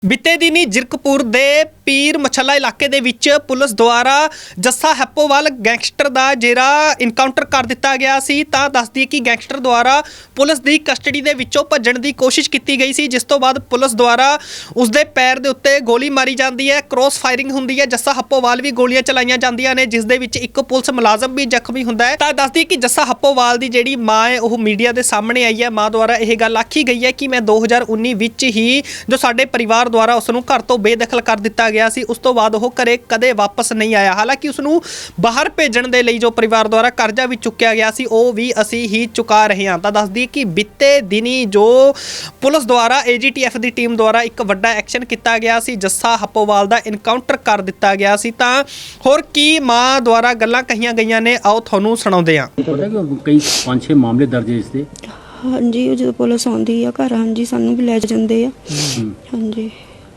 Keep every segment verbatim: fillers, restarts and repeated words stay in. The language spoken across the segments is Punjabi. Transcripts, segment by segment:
बीते दिनी जिरकपुर दे पीर मछला इलाके दे विच पुलिस द्वारा जस्सा हैप्पोवाल गैंगस्टर दा जेरा इनकाउंटर कर दिता गया सी। तां दसदी कि गैंगस्टर द्वारा पुलिस दी कस्टडी दे विचों भज्जण दी कोशिश की गई सी, जिस तो बाद पुलिस द्वारा उसदे पैर दे उत्ते गोली मारी जाती है, क्रॉस फायरिंग हुंदी है। जस्सा हैप्पोवाल भी गोलियां चलाईयां जांदियां ने, जिस दे विच एक पुलिस मुलाजम भी जख्मी हुंदा है। तां दसदी कि जस्सा हैप्पोवाल दी जेहड़ी मां है वह मीडिया दे सामने आई है। मां द्वारा यह गल आखी गई है कि मैं दो हज़ार उन्नी विच ही जो साडे परिवार द्वारा उसनूं घर तो बेदखल कर दिता गया सी, उस तो बाद वो घरे कदे वापस नहीं आया। हालांकि उसनूं बाहर भेजण दे लई जो परिवार द्वारा करजा भी चुक्या गया सी वो भी असी ही चुका रहे हां। तां दसदी कि बीते दिनी जो पुलिस द्वारा ए जी टी एफ की टीम द्वारा एक वड्डा एक्शन किया गया सी, जस्सा हैप्पोवाल दा इनकाउंटर कर दिता गया सी। तां होर की मां द्वारा गल्लां कहीआं गईआं ने, आओ तुहानूं सुणाउंदे हां। कई पांच छे मामले दर्ज है इसदे। हाँ जी, जो पुलिस आउंदी आ घर, हाँ जी सानू भी लै जांदे आ। हाँ जी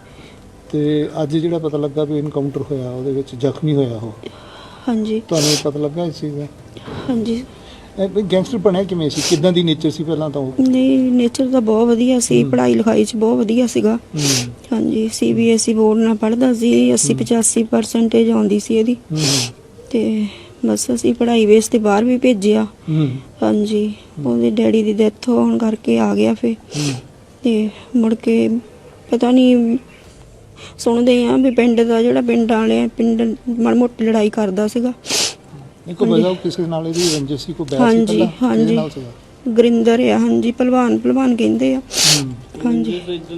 ਤੇ ਅੱਜ ਜਿਹੜਾ ਪਤਾ ਲੱਗਾ ਵੀ ਇਨਕਾਊਂਟਰ ਹੋਇਆ ਉਹਦੇ ਵਿੱਚ ਜ਼ਖਮੀ ਹੋਇਆ ਉਹ, ਹਾਂਜੀ ਤੁਹਾਨੂੰ ਪਤਾ ਲੱਗਾ ਇਸ ਚੀਜ਼ ਦਾ? ਹਾਂਜੀ। ਇਹ ਗੈਂਗਸਟਰ ਬਣਿਆ ਕਿਵੇਂ ਸੀ, ਕਿੱਦਾਂ ਦੀ ਨੇਚਰ ਸੀ ਪਹਿਲਾਂ ਤਾਂ ਉਹ? ਨਹੀਂ, ਨੇਚਰ ਤਾਂ ਬਹੁਤ ਵਧੀਆ ਸੀ, ਪੜ੍ਹਾਈ ਲਿਖਾਈ 'ਚ ਬਹੁਤ ਵਧੀਆ ਸੀਗਾ। ਹਾਂਜੀ, C B S E board ਨਾਲ ਪੜ੍ਹਦਾ ਸੀ, ਅੱਸੀ ਪਚਾਸੀ ਪਰਸੈਂਟੇਜ ਆਉਂਦੀ ਸੀ ਇਹਦੀ। ਤੇ ਬਸ ਅਸੀਂ ਪੜ੍ਹਾਈ ਬੇਸ ਤੇ ਬਾਹਰ ਵੀ ਭੇਜਿਆ। ਹਾਂਜੀ, ਉਹਦੇ ਡੈਡੀ ਦੀ ਡੈਥ ਹੋਣ ਕਰਕੇ ਆ ਗਿਆ ਫਿਰ। ਤੇ ਮੁੜ ਕੇ ਪਤਾ ਨਹੀਂ ਸੁਣਦੇ ਆ ਵੀ ਪਿੰਡ ਦਾ ਜਿਹੜਾ ਪਿੰਡ ਵਾਲੇ ਪਿੰਡ ਮਾੜੀ ਮੋਟੀ ਲੜਾਈ ਕਰਦਾ ਸੀਗਾ। ਨਹੀਂ ਕੋਈ ਵਜ੍ਹਾ ਕਿਸੇ ਨਾਲ ਇਹਦੀ ਰੰਜਿਸ਼ ਸੀ, ਕੋਈ ਬੈਠ ਸੀ ਹਾਂਜੀ ਪਹਿਲਾਂ? ਹਾਂਜੀ ਗੁਰਿੰਦਰ ਆ, ਹਾਂਜੀ ਪਹਿਲਵਾਨ ਪਹਿਲਵਾਨ ਕਹਿੰਦੇ ਆ। ਹਾਂਜੀ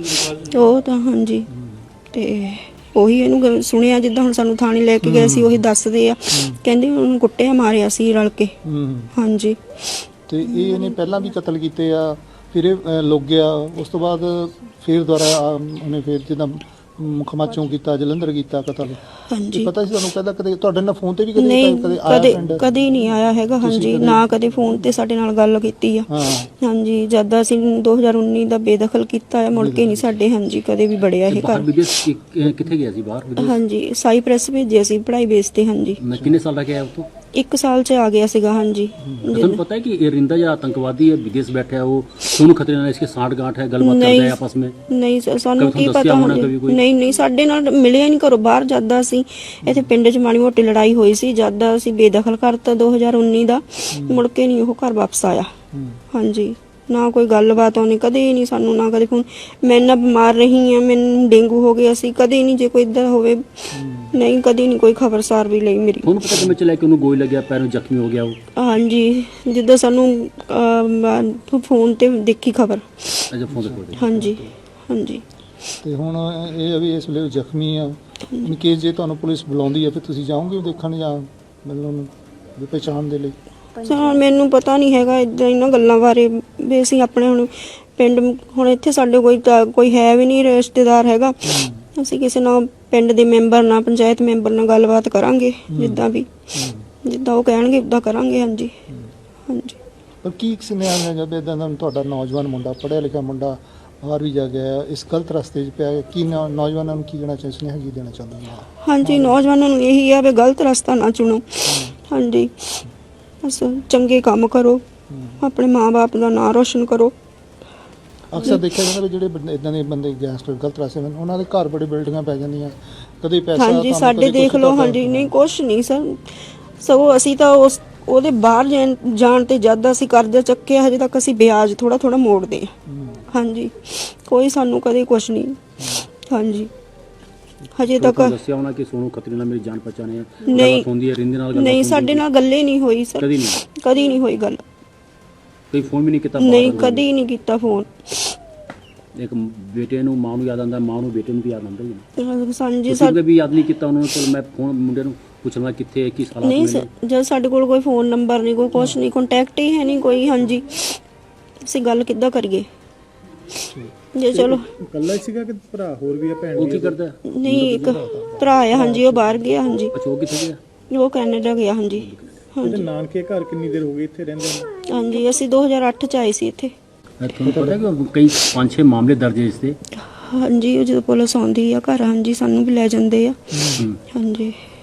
ਉਹ ਤਾਂ ਹਾਂਜੀ। ਤੇ ਉਹੀ ਇਹਨੂੰ ਗੱਲ ਸੁਣਿਆ, ਜਿੱਦਾਂ ਹੁਣ ਸਾਨੂੰ ਥਾਣੇ ਲੈ ਕੇ ਗਏ ਸੀ ਉਹੀ ਦੱਸਦੇ ਆ, ਕਹਿੰਦੇ ਉਹਨੂੰ ਕੁੱਟਿਆ ਮਾਰਿਆ ਸੀ ਰਲ ਕੇ। ਹਾਂਜੀ ਤੇ ਇਹ ਇਹਨੇ ਪਹਿਲਾਂ ਵੀ ਕਤਲ ਕੀਤੇ ਆ, ਫਿਰ ਇਹ ਲੁੱਕ ਗਿਆ, ਉਸ ਤੋਂ ਬਾਅਦ ਫਿਰ ਦੁਬਾਰਾ ਉਹਨੇ ਫਿਰ ਜਿੱਦਾਂ ਮੁਖਮਾਚੋਂ ਕੀਤਾ, ਜਲੰਧਰ ਕੀਤਾ ਕਤਲ। ਹਾਂਜੀ ਪਤਾ ਸੀ ਤੁਹਾਨੂੰ? ਪਹਿਲਾਂ ਕਦੇ ਤੁਹਾਡੇ ਨਾਲ ਫੋਨ ਤੇ ਵੀ ਕਦੇ ਨਹੀਂ, ਕਦੇ ਆਇਆ ਕਦੇ ਫਰੈਂਡ? ਕਦੇ ਨਹੀਂ ਆਇਆ ਹੈਗਾ। ਹਾਂਜੀ ਨਾ ਕਦੇ ਫੋਨ ਤੇ ਸਾਡੇ ਨਾਲ ਗੱਲ ਕੀਤੀ ਆ। ਹਾਂ ਹਾਂਜੀ ਜਦ ਅਸੀਂ ਦੋ ਹਜ਼ਾਰ ਉੱਨੀ ਦਾ ਬੇਦਖਲ ਕੀਤਾ ਹੈ, ਮੁੜ ਕੇ ਨਹੀਂ ਸਾਡੇ ਹਾਂਜੀ ਕਦੇ ਵੀ ਬੜਿਆ ਇਹ ਬਾਹਰ ਘਰ। ਵਿਦੇਸ਼ ਕਿ- ਕਿੱਥੇ ਗਿਆ ਸੀ? ਬਾਹਰ ਵਿਦੇਸ਼? ਹਾਂਜੀ ਸਾਈਪ੍ਰੈਸ ਭੇਜਿਆ ਸੀ ਪੜ੍ਹਾਈ ਬੇਸ ਤੇ। ਹਾਂਜੀ ਮੈਂ ਕਿੰਨੇ ਸਾਲ ਦਾ ਗਿਆ ਉਤੋਂ? ਇੱਕ ਸਾਲ ਚ ਆ ਗਿਆ ਸੀਗਾ। ਹਾਂਜੀ ਤੁਹਾਨੂੰ ਪਤਾ है कि ये रिंदा जो आतंकवादी है विदेश बैठा है वो सोनू खतरे ਨਾਲ इसके साठ गांठ है, गलबात नहीं, करता है आपस में? ਨਹੀਂ ਸਾ- ਸਾਨੂੰ ਕभी ਕੀ ਤੁਹਾਨੂੰ ਪਤਾ ਦੱਸਿਆ ਹੋਣਾ ਹੁਣ। ਕभी ਕੋਈ? ਨਹੀਂ ਨਹੀਂ ਸਾਡੇ ਨਾਲ ਮਿਲਿਆ ਨਹੀਂ ਘਰੋਂ ਬਾਹਰ ਜਾਂਦਾ ਸੀ। ਇੱਥੇ ਪਿੰਡ 'ਚ ਮਾੜੀ ਮੋਟੀ ਲੜਾਈ ਹੋਈ ਸੀ, ਜਦ ਅਸੀਂ ਬੇਦਖਲ ਕਰਤਾ ਦੋ ਹਜ਼ਾਰ ਉੱਨੀ ਦਾ, ਮੁੜ ਕੇ ਨਹੀਂ ਉਹ ਘਰ ਵਾਪਸ ਆਇਆ। ਹਾਂਜੀ ਨਾ ਕੋਈ ਗੱਲਬਾਤ ਉਹਨੇ ਕਦੇ ਨਹੀਂ ਸਾਨੂੰ, ਨਾ ਕਦੇ ਫੋਨ। ਮੈਂ ਨਾ ਬਿਮਾਰ ਰਹੀ ਆ, ਮੈਨੂੰ ਡੇਂਗੂ ਹੋ ਗਿਆ ਸੀ, ਕਦੇ ਨਹੀਂ ਜੇ ਕੋਈ ਇਦਾਂ ਹੋਵੇ ਨਹੀਂ, ਕਦੇ ਨਹੀਂ ਕੋਈ ਖਬਰਸਾਰ ਵੀ ਲਈ ਮੇਰੀ। ਤੁਹਾਨੂੰ ਪਤਾ ਕਿਵੇਂ ਚੱਲਿਆ ਕਿ ਉਹਨੂੰ ਗੋਲੀ ਲੱਗਿਆ, ਪੈਰੋਂ ਜ਼ਖਮੀ ਹੋ ਗਿਆ ਉਹ? ਹਾਂਜੀ ਜਿੱਦਾਂ ਸਾਨੂੰ ਅਹ, ਫੋਨ ਤੇ ਦੇਖੀ ਖਬਰ। ਅਜਾ ਫੋਨ ਤੇ ਕੋਲ। ਹਾਂਜੀ ਹਾਂਜੀ ਤੇ ਹੁਣ ਇਹ ਆ ਵੀ ਇਸ ਵੇਲੇ ਜ਼ਖਮੀ ਆ। ਇਨ ਕੇਸ ਜੇ ਤੁਹਾਨੂੰ ਪੁਲਿਸ ਬੁਲਾਉਂਦੀ ਆ ਫਿਰ ਤੁਸੀਂ ਜਾਓਗੇ ਦੇਖਣ ਜਾਂ ਮਿਲਣ ਨੂੰ ਵੀ ਪਹਿਚਾਣ ਦੇ ਲਈ? ਸਰ ਮੈਨੂੰ ਪਤਾ ਨਹੀਂ ਹੈਗਾ ਇਦਾਂ ਇਹਨਾਂ ਗੱਲਾਂ ਬਾਰੇ ਵੀ ਅਸੀਂ ਆਪਣੇ ਹੁਣ ਪਿੰਡ ਹੁਣ ਇੱਥੇ ਸਾਡੇ ਕੋਈ ਤਾਂ ਕੋਈ ਹੈ ਵੀ ਨਹੀਂ ਰਿਸ਼ਤੇਦਾਰ ਹੈਗਾ। ਅਸੀਂ ਕਿਸੇ ਨਾਲ ਪਿੰਡ ਦੇ ਮੈਂਬਰ ਨਾਲ ਪੰਚਾਇਤ ਮੈਂਬਰ ਨਾਲ ਗੱਲਬਾਤ ਕਰਾਂਗੇ, ਜਿੱਦਾਂ ਵੀ ਜਿੱਦਾਂ ਉਹ ਕਹਿਣਗੇ ਉੱਦਾਂ ਕਰਾਂਗੇ। ਹਾਂਜੀ ਹਾਂਜੀ ਪਰ ਕੀ ਸੁਨੇਹਾ ਹੈ ਜਦ ਇਦਾਂ ਦਾ ਤੁਹਾਡਾ ਨੌਜਵਾਨ ਮੁੰਡਾ, ਪੜ੍ਹਿਆ ਲਿਖਿਆ ਮੁੰਡਾ ਬਾਹਰ ਵੀ ਜਾ ਗਿਆ, ਇਸ ਗਲਤ ਰਸਤੇ 'ਚ ਪਿਆ, ਕੀ ਨੌ- ਨੌਜਵਾਨਾਂ ਨੂੰ ਕੀ ਕਹਿਣਾ ਚਾਹੀਦਾ, ਸੁਨੇਹਾ ਕੀ ਦੇਣਾ ਚਾਹੁੰਦੇ ਹੋ? ਹਾਂਜੀ ਨੌਜਵਾਨਾਂ ਨੂੰ ਇਹੀ ਆ ਵੀ ਗਲਤ ਰਸਤਾ ਨਾ ਚੁਣੋ। ਹਾਂਜੀ ਬਸ ਚੰਗੇ ਕੰਮ ਕਰੋ, ਆਪਣੇ ਮਾਂ-ਬਾਪ ਦਾ ਨਾਂ ਰੋਸ਼ਨ ਕਰੋ। ਅਕਸਰ ਦੇਖਿਆ ਜਾਂਦਾ ਵੀ ਜਿਹੜੇ ਬੰਦੇ ਇਦਾਂ ਦੇ ਬੰਦੇ ਗੈਂਗਸਟਰ ਗਲਤ ਰਸਤੇ ਵਿੱਚ, ਉਹਨਾਂ ਦੇ ਘਰ ਬੜੇ ਬਿਲਡਿੰਗਾਂ ਪੈ ਜਾਂਦੀਆਂ, ਕਦੇ ਪੈਸਾ ਹਾਂਜੀ ਤੁਹਾਨੂੰ ਸਾਡੇ ਕਦੇ ਦੇਖ ਕੁਛ ਲਓ। ਕਰਦਾ। ਹਾਂਜੀ ਨਹੀਂ ਕੁਛ ਨਹੀਂ ਸਰ, ਸਗੋਂ ਅਸੀਂ ਤਾਂ ਉਸ ਉਹਦੇ ਬਾਹਰ ਜਾਣ ਜਾਣ ਤੇ ਜਦ ਅਸੀਂ ਕਰਜ਼ਾ ਚੱਕਿਆ ਹਜੇ ਤੱਕ ਅਸੀਂ ਵਿਆਜ ਥੋੜਾ ਥੋੜਾ ਮੋੜਦੇ ਹਾਂ। ਹਾਂਜੀ ਕੋਈ ਸਾਨੂੰ ਕਦੇ ਕੁਛ ਨਹੀਂ। ਹਾਂਜੀ ਹਜੇ ਤੱਕ ਦੱਸਿਆ ਹੋਣਾ ਕਿ ਸੋਨੂ ਖਤਰੇ ਨਾਲ ਮੇਰੀ ਜਾਣ ਪਛਾਣ ਹੈ, ਨਹੀਂ ਗੱਲਬਾਤ ਹੁੰਦੀ ਹੈ, ਰਿੰਦੇ ਨਾਲ ਗੱਲਬਾਤ ਨਹੀਂ ਹੁੰਦੀ ਸਾਡੇ ਨਾਲ ਗੱਲੇ ਨਹੀਂ ਹੋਈ ਸਰ, ਕਦੀ ਨਹੀਂ? ਕਦੀ ਨਹੀਂ ਹੋਈ ਗੱਲ। ਕੋਈ ਫੋਨ ਵੀ ਨਹੀਂ ਕੀਤਾ? ਨਹੀਂ ਕਦੀ ਨਹੀਂ ਕੀਤਾ ਫੋਨ। ਇੱਕ ਬੇਟੇ ਨੂੰ ਮਾਂ ਨੂੰ ਯਾਦ ਆਉਂਦਾ, ਮਾਂ ਨੂੰ ਬੇਟੇ ਨੂੰ ਵੀ ਯਾਦ ਆਉਂਦਾ ਹੀ ਨਾ। ਹਾਂਜੀ ਤੁਸੀਂ ਸਾ- ਵੀ ਯਾਦ ਨਹੀਂ ਕੀਤਾ ਉਹਨਾਂ ਨੂੰ? ਚਲ ਮੈਂ ਫੋਨ ਮੁੰਡੇ ਨੂੰ ਪੁੱਛਣਾ ਕਿੱਥੇ ਹੈ, ਕੀ ਹਾਲਾਤ ਨਹੀਂ ਨੇ? ਸਰ, ਜਦ ਸਾਡੇ ਕੋਲ ਕੋਈ ਫੋਨ ਨੰਬਰ ਨਹੀਂ, ਕੋਈ ਕੁਛ ਨਹੀਂ, ਕੰਟੈਕਟ ਹੀ ਹੈ ਨਹੀਂ ਕੋਈ। ਹਾਂਜੀ ਅਸੀਂ ਗੱਲ ਕਿੱਦਾਂ ਕਰੀਏ ਜੇ ਚਲੋ ਇਕੱਲਾ ਸੀਗਾ ਕਿ ਭਰਾ ਹੋਰ ਵੀ ਆ, ਭੈਣ ਉਹ ਕੀ ਕਰਦਾ? ਨਹੀਂ ਇੱਕ ਭਰਾ ਆ। ਹਾਂਜੀ ਉਹ ਬਾਹਰ ਗਿਆ। ਹਾਂਜੀ ਅੱਛਾ ਉਹ ਕਿੱਥੇ ਗਿਆ? ਉਹ ਕੈਨੇਡਾ ਗਿਆ। ਹਾਂਜੀ ਹਾਂਜੀ ਨਾਨਕੇ ਘਰ ਕਿੰਨੀ ਦੇਰ ਹੋ ਗਈ ਇੱਥੇ ਰਹਿੰਦੇ ਨੇ? ਹਾਂਜੀ ਅਸੀਂ ਦੋ ਹਜ਼ਾਰ ਅੱਠ ਚ ਆਏ ਸੀ ਇੱਥੇ। ਤੁਹਾਨੂੰ ਪਤਾ ਕਿ ਕਈ ਪੰਜ ਛੇ ਮਾਮਲੇ ਦਰਜ ਹੈ ਇਸਦੇ। ਹਾਂਜੀ ਉਹ ਜਦੋਂ ਪੁਲਿਸ ਆਉਂਦੀ ਆ ਘਰ, ਹਾਂਜੀ ਸਾਨੂੰ ਵੀ ਲੈ ਜਾਂਦੇ ਆ। ਹਾਂਜੀ